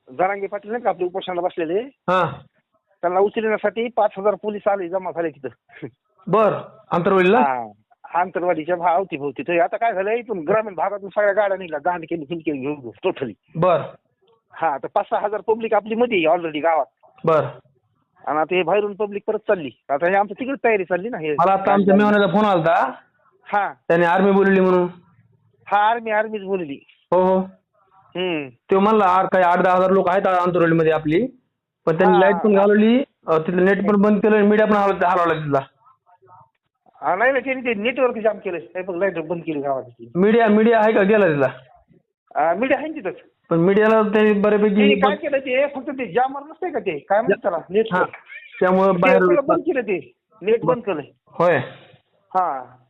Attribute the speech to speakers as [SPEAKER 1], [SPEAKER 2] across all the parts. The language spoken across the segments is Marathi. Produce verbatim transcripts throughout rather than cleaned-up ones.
[SPEAKER 1] जरांगे पाटील नाही का आपले उपोषणाला बसलेले,
[SPEAKER 2] हा
[SPEAKER 1] त्यांना उचलण्यासाठी पाच हजार पोलीस आले, जमा झाले तिथं.
[SPEAKER 2] बर आंतरवलीला.
[SPEAKER 1] हा आंतरवाडीच्या भा अवतीभोवती. तर आता काय झालं, इथून ग्रामीण भागातून सगळ्या गाड्या निघल्या, गांड केली हिंडके घेऊन टोटली.
[SPEAKER 2] बर
[SPEAKER 1] हा तर पाच सहा हजार पब्लिक आपली मध्ये ऑलरेडी गावात.
[SPEAKER 2] बर
[SPEAKER 1] आणि आता हे बाहेरून पब्लिक परत चालली. आता हे आमचं तिकडे तयारी चालली ना. हे
[SPEAKER 2] मला आता आमच्या मेहमानाचा फोन आलता,
[SPEAKER 1] हा
[SPEAKER 2] त्याने आर्मी बोलली म्हणून.
[SPEAKER 1] हा आर्मी आर्मीच बोलली.
[SPEAKER 2] हो हो
[SPEAKER 1] हम्म
[SPEAKER 2] ते म्हणला आठ काही आठ दहा हजार लोक आहेत आंतरवलीमध्ये आपली, पण त्यांनी
[SPEAKER 1] हा,
[SPEAKER 2] लाईट पण
[SPEAKER 1] हा.
[SPEAKER 2] घालवली, अं, तिथलं नेट पण बंद केलं, मीडिया पण हलव हलवला तिथला.
[SPEAKER 1] हा, नाही नाही त्यांनी ते नेटवर्क जाम केलं. हे बघ लाईट बंद केली गावाची.
[SPEAKER 2] मीडिया मीडिया आहे का गेला तिथला?
[SPEAKER 1] मीडिया आहे ना तिथंच.
[SPEAKER 2] पण मीडियाला त्यांनी
[SPEAKER 1] त्यांनी
[SPEAKER 2] बऱ्यापैकी
[SPEAKER 1] काय केलं ते फक्त ते जामर नसते का, ते काय म्हणतात त्याला,
[SPEAKER 2] हा
[SPEAKER 1] नेटवर्क,
[SPEAKER 2] त्यामुळे
[SPEAKER 1] ते
[SPEAKER 2] बाहेर
[SPEAKER 1] सगळं बंद केलं, ते नेट बंद केलं.
[SPEAKER 2] होय.
[SPEAKER 1] हा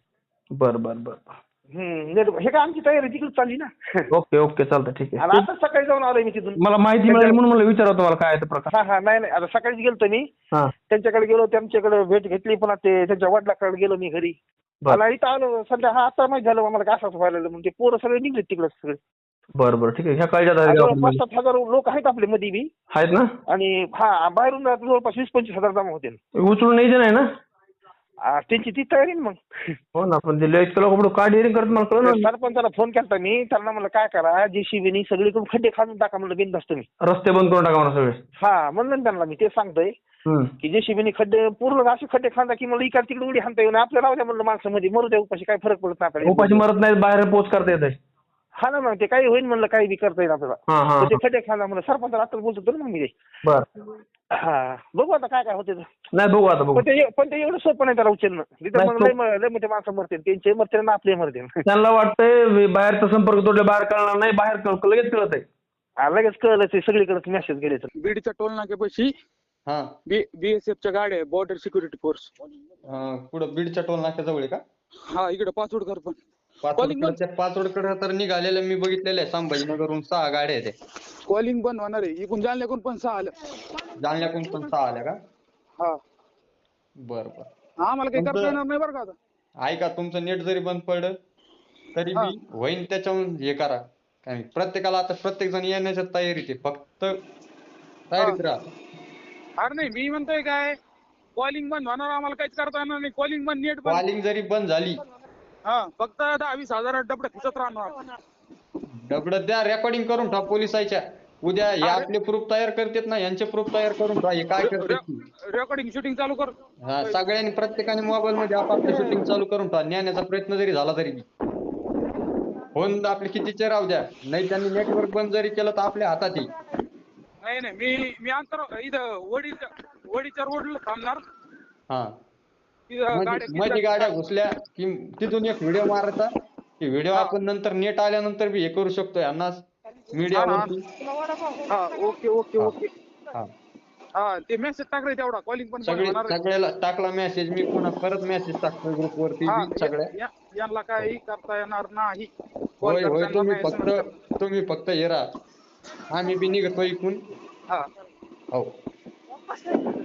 [SPEAKER 2] बर बर बर
[SPEAKER 1] हम्म नेट हे काय आमची तयारी तिकडे चालली ना.
[SPEAKER 2] ओके ओके चालतं ठीक
[SPEAKER 1] आणि
[SPEAKER 2] आहे.
[SPEAKER 1] आता सकाळी जाऊन आलोय मी तिथून.
[SPEAKER 2] मला माहिती मिळाली म्हणून मला विचारावं तुम्हाला काय आहे ते प्रकार.
[SPEAKER 1] हा हा नाही नाही आता सकाळीच गेलतो मी
[SPEAKER 2] हा
[SPEAKER 1] त्यांच्याकडे, गेलो त्यांच्याकडे भेट घेतली, पण ते त्यांच्या वडिलाकडे गेलो मी घरी.
[SPEAKER 2] बर
[SPEAKER 1] आणि इथं आलो सध्या. हा आता माहिती झालं मला काय असं व्हायला लागलं, म्हणजे पोरं सगळे निघले तिकडे सगळे.
[SPEAKER 2] बर बर ठीक आहे. ह्या काळजात आहे
[SPEAKER 1] आणि
[SPEAKER 2] का
[SPEAKER 1] जवळपास
[SPEAKER 2] आपल्यामध्ये?
[SPEAKER 1] सात हजार लोक आहेत आपले मध्ये बी.
[SPEAKER 2] आहेत ना.
[SPEAKER 1] आणि हा बाहेरून जवळपास वीस पंचवीस हजार जमा होते.
[SPEAKER 2] उचलून न्यायचे नाही ना.
[SPEAKER 1] आ, त्यांची ती तयारी ना मग.
[SPEAKER 2] हो ना, पण ते लयच लोक का डेअरिंग करत मला कळलं ना.
[SPEAKER 1] सरपंचाला फोन केला मी, त्यांना म्हणलं काय करा, जेसीबीनी सगळीकडून खड्डे खाणून टाका म्हणलं, बिनधास्त तुम्ही.
[SPEAKER 2] रस्ते बंद करून टाका म्हणा सगळे.
[SPEAKER 1] हा म्हणलं ना त्यांना मी, ते सांगतोय
[SPEAKER 2] हम्म.
[SPEAKER 1] की जेसीबीनी खड्डे पूर्ण असे खड्डे खांदा की मला इकडे तिकडे उडी हाणता येऊन आपल्याला राहू द्या म्हणलं, माणसामध्ये मरू द्या, उपाशी काय फरक पडत नाही आपल्याला.
[SPEAKER 2] उपाशी मरत नाही, बाहेर पोच करता येत.
[SPEAKER 1] हा ना मग ते काही होईल म्हणलं, काही बी करता येईल आपल्याला.
[SPEAKER 2] हा हा
[SPEAKER 1] तर ते खड्डे खांदा म्हणलं, सरपंचाला आता बोलतो ना मग मी ते.
[SPEAKER 2] बर
[SPEAKER 1] हा बघू आता काय काय होते.
[SPEAKER 2] नाही बघू आता बघू.
[SPEAKER 1] पण ते पण ते एवढं सोपं नाही त्याला उचलणं. तिथं
[SPEAKER 2] नाही,
[SPEAKER 1] मग लय म- लय मोठे माणसं मरते, त्यांचे मरते ना आपले मरते.
[SPEAKER 2] त्यांना वाटतंय बाहेरचा संपर्क तोडल्या बाहेर कळणार नाही, बाहेर कळ- लगेच कळत आहे.
[SPEAKER 1] आ, लगेच कळलं ते सगळीकडे मेसेज गेले तर.
[SPEAKER 3] बीडच्या टोल नाक्यापाशी
[SPEAKER 4] हा
[SPEAKER 3] बी बीएसएफच्या गाड्या बॉर्डर सिक्युरिटी फोर्स.
[SPEAKER 4] अं, कुठं बीडच्या टोल नाक्याजवळ आहे का?
[SPEAKER 3] हा इकडे पाचवडकर पण. Calling
[SPEAKER 4] पाचवडकडे पाचवडकडे तर निघालेलं मी बघितलेलं आहे. संभाजीनगरहून सहा गाड्या आहेत.
[SPEAKER 3] कॉलिंग बंद होणार आहे. इकडून जालन्याकडून पण सहा आलं.
[SPEAKER 4] जालन्याकडून पण सहा आल्या का?
[SPEAKER 3] हा
[SPEAKER 4] बर बर
[SPEAKER 3] आम्हाला काही करता
[SPEAKER 4] तुमचं-
[SPEAKER 3] येणार नाही बरं का आता.
[SPEAKER 4] ऐका, तुमचं नेट जरी बंद पडलं तरी
[SPEAKER 3] हा.
[SPEAKER 4] बी होईन त्याच्याहून हे करा. काय प्रत्येकाला आता प्रत्येक जण येण्याच्या तयारीत आहे, फक्त तयारीत राहा.
[SPEAKER 3] अरे नाही मी म्हणतोय काय, कॉलिंग बंद होणार, आम्हाला काहीच करता येणार नाही. कॉलिंग बंद, नेट बंद.
[SPEAKER 4] कॉलिंग जरी बंद झाली,
[SPEAKER 3] हा फक्त दहा वीस हजार डबड खिचत राहणार.
[SPEAKER 4] दगड द्या, रेकॉर्डिंग करून ठेवा पोलिसाच्या. उद्या हे आपले प्रूफ तयार करतात ना, यांचे प्रूफ तयार करून ठेवा. हे काय करतात
[SPEAKER 3] रेकॉर्डिंग शूटिंग चालू कर.
[SPEAKER 4] हा, सगळ्यांनी प्रत्येकाने मोबाईल मध्ये आपापलं शूटिंग चालू करून ठेवा. नेण्याचा प्रयत्न जरी झाला तरी बी फोन आपले कितीचे राहू द्या, नाही त्यांनी नेटवर्क बंद जरी केलं तर आपल्या हातात येईल.
[SPEAKER 3] नाही नाही मी मी अंतर इथं वडीच्या वडीच्या रोडला थांबणार.
[SPEAKER 4] हा
[SPEAKER 3] तिथं
[SPEAKER 4] मध्ये
[SPEAKER 3] गाड्या
[SPEAKER 4] मध्ये गाड्या घुसल्या की तिथून एक व्हिडिओ मारायचा. की व्हिडिओ आपण नंतर नेट आल्यानंतर बी हे करू शकतोय यांना मीडियावरती.
[SPEAKER 3] हा ओके ओके ओके.
[SPEAKER 4] हा
[SPEAKER 3] हा ते मेसेज टाकले तेवढा, कॉलिंग पण बंद
[SPEAKER 4] सगळे
[SPEAKER 3] होणार आहे.
[SPEAKER 4] सगळ्याला टाकला मेसेज मी, पुन्हा परत मेसेज टाकतो ग्रुप वरती
[SPEAKER 3] हा
[SPEAKER 4] बी सगळ्या.
[SPEAKER 3] या- या- यांना काही करता येणार नाही. कॉल
[SPEAKER 4] होय होय
[SPEAKER 3] करताना
[SPEAKER 4] तुम्ही
[SPEAKER 3] नाही
[SPEAKER 4] फक्त
[SPEAKER 3] समजणार.
[SPEAKER 4] तुम्ही फक्त हे राहा. आम्ही बी निघतो इकून.
[SPEAKER 3] हा
[SPEAKER 4] हो